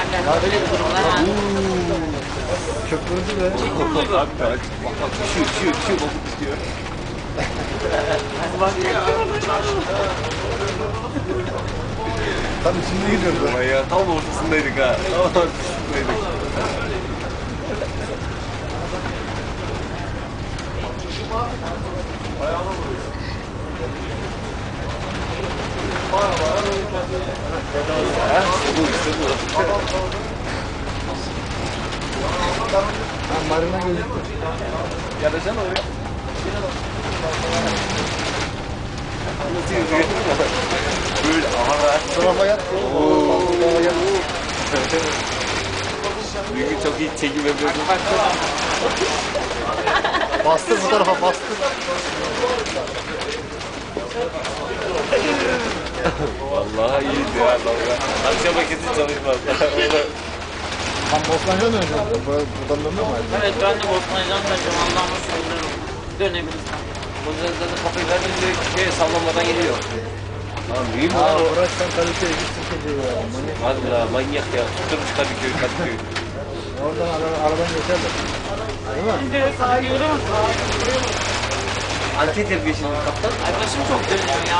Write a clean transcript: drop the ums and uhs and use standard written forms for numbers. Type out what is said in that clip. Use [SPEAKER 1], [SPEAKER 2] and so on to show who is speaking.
[SPEAKER 1] Öyle bir durumlar var.
[SPEAKER 2] Köpürdü be.
[SPEAKER 3] Abi bak şu bakıp istiyor.
[SPEAKER 2] Tam içinde gidiyordu.
[SPEAKER 3] Ama ya tam ortasındaydık ha. Tam ortasındaydık. İşte bu.
[SPEAKER 2] Marina gözüktü.
[SPEAKER 3] Yaracan oraya. Nasıl yüzüyor? Böyle aha.
[SPEAKER 2] Tarafa yat. Tarafa yat.
[SPEAKER 3] Bugün çok iyi çekim yapıyordum.
[SPEAKER 2] Bastır bu tarafa bastır.
[SPEAKER 3] Vallahi iyiydi ya dalga. Akşama kesin çalışmaz.
[SPEAKER 2] Tam Bostancı'dan döneceğiz. Buradan dönmüyor mu?
[SPEAKER 1] Evet ben de Bosna'dan kaçacağım. Allah'ıma sığınırım. Dönebilirsem.
[SPEAKER 3] Bu zaten kafayı verdim direkt sallamadan geliyor. Lan mühim
[SPEAKER 2] Aa,
[SPEAKER 3] lan o.
[SPEAKER 2] Uğraş'tan Kadıköy'e gitsin kedi ya.
[SPEAKER 3] Valla manyak ya. Tutturmuş Kadıköy.
[SPEAKER 2] Oradan aradan geçerler. Değil mi?
[SPEAKER 1] Şimdi sağa görüyor musun?
[SPEAKER 3] Anket yapıyor şimdi kaptan.
[SPEAKER 1] Ay başım çok dönüyor ya.